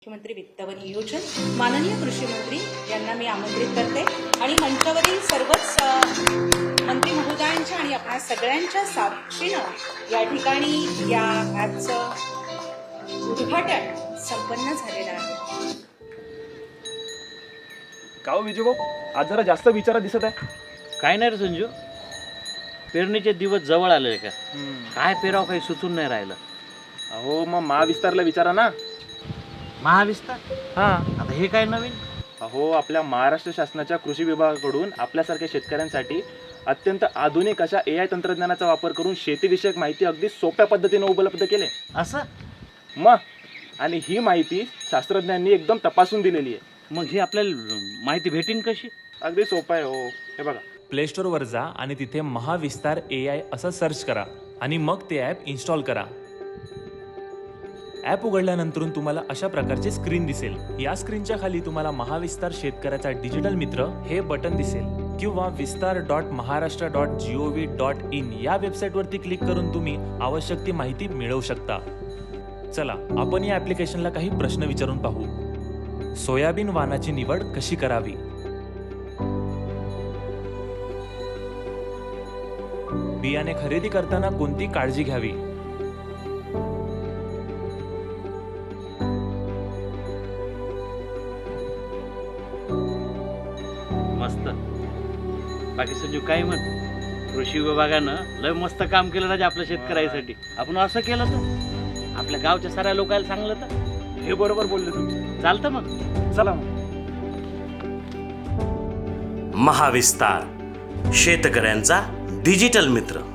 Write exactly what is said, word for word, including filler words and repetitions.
मुख्यमंत्री वित्त व नियोजन माननीय कृषी मंत्री यांना मी आमंत्रित करते आणि मंचावरील सर्वच मंत्री महोदयांच्या आणि आपल्या सगळ्यांच्या साक्षीनं या ठिकाणी या ॲपचं उद्घाटन संपन्न झालेलं आहे. गाव विजयभाऊ आज जरा जास्त विचारा दिसत आहे. काय नाही रे संजू, पेरणीचे दिवस जवळ आले का? काय पेराव काही सुचून नाही राहिलं. अहो मग महाविस्तारला विचारा ना. महाविस्तार? हा, आता हे काय नवीन? अहो आपल्या महाराष्ट्र शासनाच्या कृषी विभागाकडून आपल्यासारख्या शेतकऱ्यांसाठी अत्यंत आधुनिक अशा ए आय तंत्रज्ञानाचा वापर करून शेतीविषयक माहिती अगदी सोप्या पद्धतीने उपलब्ध केले. असं? मग आणि ही माहिती शास्त्रज्ञांनी एकदम तपासून दिलेली आहे. मग ही आपल्याला माहिती भेटीन कशी? अगदी सोपं आहे हो. हे बघा, प्ले स्टोअरवर जा आणि तिथे महाविस्तार ए आय असं सर्च करा आणि मग ते ॲप इन्स्टॉल करा. ॲप उघडल्यानंतर तुम्हाला अशा प्रकारची स्क्रीन दिसेल. या स्क्रीनच्या खाली तुम्हाला महाविस्तार शेतकऱ्याचा डिजिटल मित्र हे बटन दिसेल किंवा विस्तार dot Maharashtra dot G O V dot in या वेबसाईटवरती क्लिक करून तुम्ही आवश्यक ती माहिती मिळवू शकता. चला आपण या ॲप्लिकेशनला काही प्रश्न विचारून पाहू. सोयाबीन वाणाची निवड कशी करावी? बियाणे खरेदी करताना कोणती काळजी घ्यावी? मस्त. बाकी संजू काय म्हण? कृषी विभागानं लय मस्त काम केलं राजा आपल्या शेतकऱ्यासाठी. आपण असं केलं तर आपल्या गावच्या साऱ्या लोकांना सांगलं तर हे बरोबर बोलले तुम्ही. चालतं. मग चला मग. महाविस्तार शेतकऱ्यांचा डिजिटल मित्र.